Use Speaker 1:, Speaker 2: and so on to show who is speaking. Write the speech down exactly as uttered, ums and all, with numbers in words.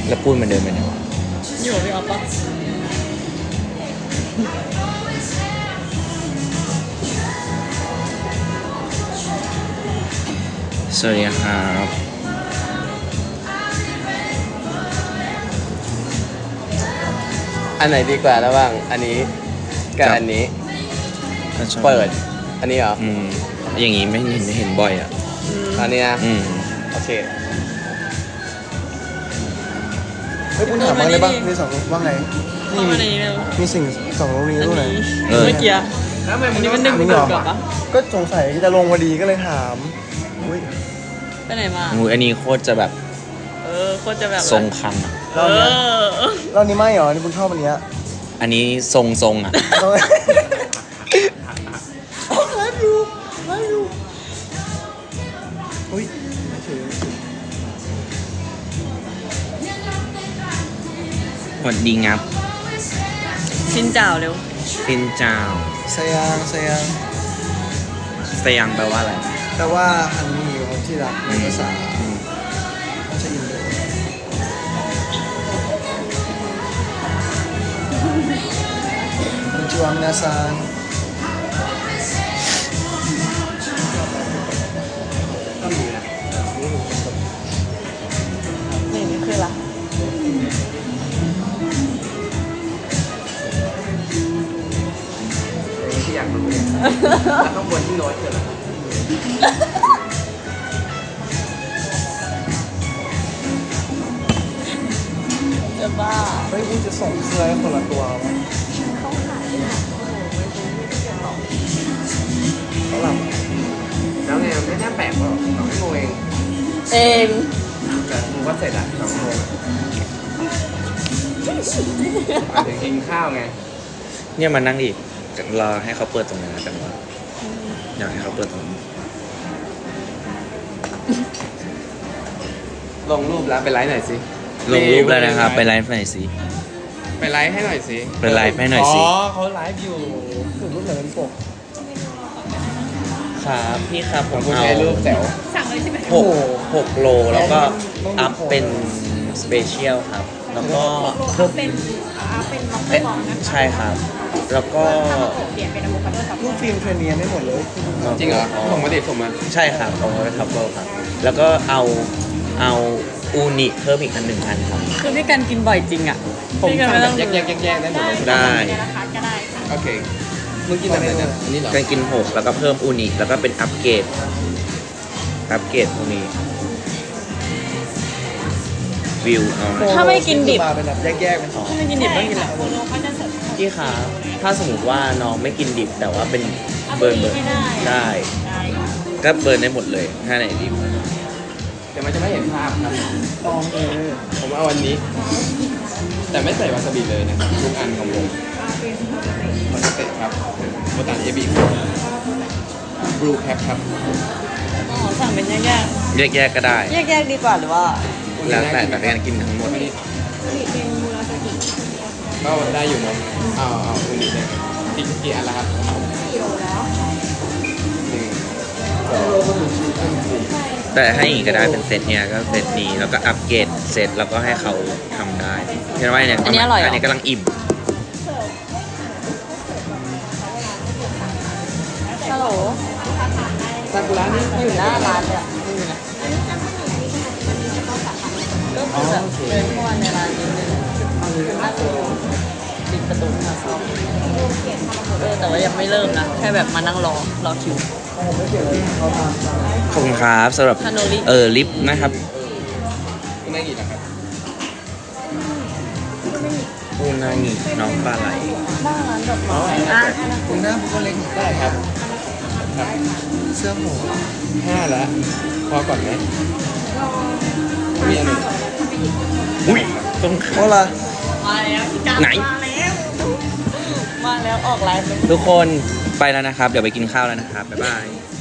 Speaker 1: แล้วปุ้นมันเดินไปไหนวะ
Speaker 2: อยู่พี่ออฟปะ
Speaker 1: สวัสดีครับ
Speaker 3: อันไหนดีกว่าระหว่างอันนี้กับอันนี้เปิดอันนี้เหรอ
Speaker 1: อืมอย่างงี้ไม่เห็นไม่เห็นบ่อยอ่ะ
Speaker 3: อันนี้นะ
Speaker 1: อืม
Speaker 3: โอเค
Speaker 4: เฮ้ยคุณถามบ้างได้ป่ะมีสองว่าไง
Speaker 2: นี่มี
Speaker 4: มีสิ่งสองโรงนี้ตรงไหน
Speaker 2: เมื่อกี้อันนี้มันหนึ่งเกิดกับปะ
Speaker 4: ก็สงสัยจะลงพอดีก็เลยถามอุ้ย
Speaker 2: ไปไหนมา
Speaker 1: งูอันนี้โคตรจะแบบ
Speaker 2: เออโคตรจะแบบ
Speaker 1: ทรงคังอ่ะ
Speaker 2: เออ
Speaker 4: เรานี้ไม่เหรอนี่คุณชอบอันเนี้ย
Speaker 1: อันนี้ทรงทรงอ่ะ
Speaker 4: ไลฟ์อยู่ไลฟ์อยู่อุ้ยไม่ถือ
Speaker 1: หวัดดีงับ
Speaker 2: ชินจ่าวเร็ว
Speaker 1: ชินจ่าว
Speaker 4: สยางสยาง
Speaker 1: สยางแปลว่าอะไร
Speaker 4: แปลว่าฮันนี่ของที่รักในภาษาเขาจะอินโดคุณจวงนาซาน
Speaker 2: นี่นี่คืออะไร
Speaker 3: ที่อยากรู้เนี่ยแล้วข้างบนที่โน้ตคืออะไร
Speaker 2: จะบ้า
Speaker 4: เฮ้ยคุณจะส่งเสื้อให้คนละตัวมั้ย
Speaker 2: เขาขายเนี่ย
Speaker 4: เขาหลับ
Speaker 3: แล้วไงไม่น่าแปลกหรอกสองชั่วโมงเอง
Speaker 2: เอง
Speaker 3: แต่มึงว่าเสร็จอะสองชั่วโมงมาถึงกินข้าวไง
Speaker 1: เนี่ยมานั่งอีกรอให้เขาเปิดตรงนั้นจังวะอยากให้เขาเปิดตรงนี้
Speaker 3: ลงรูปแล้วไปไลฟ์หน่อยสิ
Speaker 1: ลงรูปแล้วนะครับไปไลฟ์หน่อยสิ
Speaker 3: ไปไลฟ์ให้หน่อยสิ
Speaker 1: ไปไลฟ์ให้หน่อยสิ
Speaker 3: อ๋อเขาไลฟ์อยู่
Speaker 4: คือรูปไหนเป็นปก
Speaker 1: ครับพี่ครับผมเอา
Speaker 3: รูปแจ๋ว
Speaker 2: สั่งเลยใช่ไหม
Speaker 1: หกหกโลแล้วก็อัพเป็นสเปเชียลครับแล้วก็
Speaker 2: เพิ่มเป็นอัพเป็นม็อกเตอร์บอลนะคะ
Speaker 1: ใช่ครับแล้วก็
Speaker 2: เปลี่ยนเป็นอะโวคาโดซับ
Speaker 4: รูปฟิล์มเทรนเนียไม่หมดเลย
Speaker 3: จริงเหรอส่งมาดิส่งมา
Speaker 1: ใช่ครับเอาไว้ทับเบิลครับแล้วก็เอาเอาอูนิเพิ่มอีกอันหนึ่งอันครับ
Speaker 2: คือพี่กันกินบ่อยจริงอ่ะ
Speaker 3: ผมทำแบบแยกแยกแยกได้หมดเลย
Speaker 1: ได้
Speaker 3: โอเคเมื่อกี้แบบไหนเนี่ยอันนี้เหรอ
Speaker 1: การกินหกแล้วก็เพิ่มอูนิแล้วก็เป็นอัปเกรดอัปเกรดตรงนี้วิวเอา
Speaker 2: ถ้าไม่กินดิบ
Speaker 4: มาเป็นแบบแยกๆเป็นสอง
Speaker 2: ถ้าไม่กินดิบไม่กินอะไร
Speaker 1: พี่คะถ้าสมมติว่าน้องไม่กินดิบแต่ว่าเป็นเบิร์นเบิร์นได้ก็เบิร์นได้หมดเลยถ้าไหนดิบ
Speaker 3: แต่มันจะไม่เห็นภาพครับ
Speaker 4: ตองเออ
Speaker 3: ผมเอาวันนี้ แต่ไม่ใส่วาซาบิเลยนะครับทุกอันของผมมันจะเตะครับโบตันเอบีบลูแคปครับ
Speaker 2: อ๋อสั่งเป็นแยก
Speaker 1: แยกแยกก็ได้
Speaker 2: แยกแยกดีกว่าหรือว่า
Speaker 1: แล้วแต่แต่การกินทั้งหมด
Speaker 3: ก็ได้อยู่เนาะเอาเอาอุนิเนี่ยกี่กี่อันละครับ
Speaker 2: กี่โลแล้ว
Speaker 3: หนึ่งสองสี่
Speaker 1: แต่ให้อีกก็ได้เป็นเซตเนี้ยก็เซตนี้แล้วก็อัปเกรดเซตแล้วก็ให้เขาทำได้เห็นไหมเนี่ย
Speaker 2: อันนี้อร่อยอัน
Speaker 1: นี้กำลังอิ่ม
Speaker 2: ฮัลโหล
Speaker 3: ซากุระนี่
Speaker 2: อยู่หน้าร้านเลยอ่ะไม่มีนะก็คือแบบเดินเข้ามาในร้านนิดนึงน่าจะอยู่ปิดประตูค่ะเออแต่ว่ายังไม่เริ่มนะแค่แบบมานั่งรอรอคิว
Speaker 1: ขอบคุณครับสำหรับเออลิฟต์นะครับ
Speaker 3: อูนางินะครับ
Speaker 1: อูนางิน้องปลาไหล
Speaker 2: หน้าร้านดอกไม้อ่ะ
Speaker 4: คุณหน้าผมก็เล็ก
Speaker 3: ได้ครับ
Speaker 4: ครับเสื้อหมู
Speaker 3: ห้าแล้วพอก่อนไหมมีอันหนึ่ง
Speaker 1: อุ้ยต้อง
Speaker 4: โอ้ล่ะ
Speaker 2: มาแล้ว
Speaker 1: ไหน
Speaker 2: มาแล้วมาแล้วออกไลน์
Speaker 1: ทุกคนไปแล้วนะครับเดี๋ยวไปกินข้าวแล้วนะครับบ๊ายบาย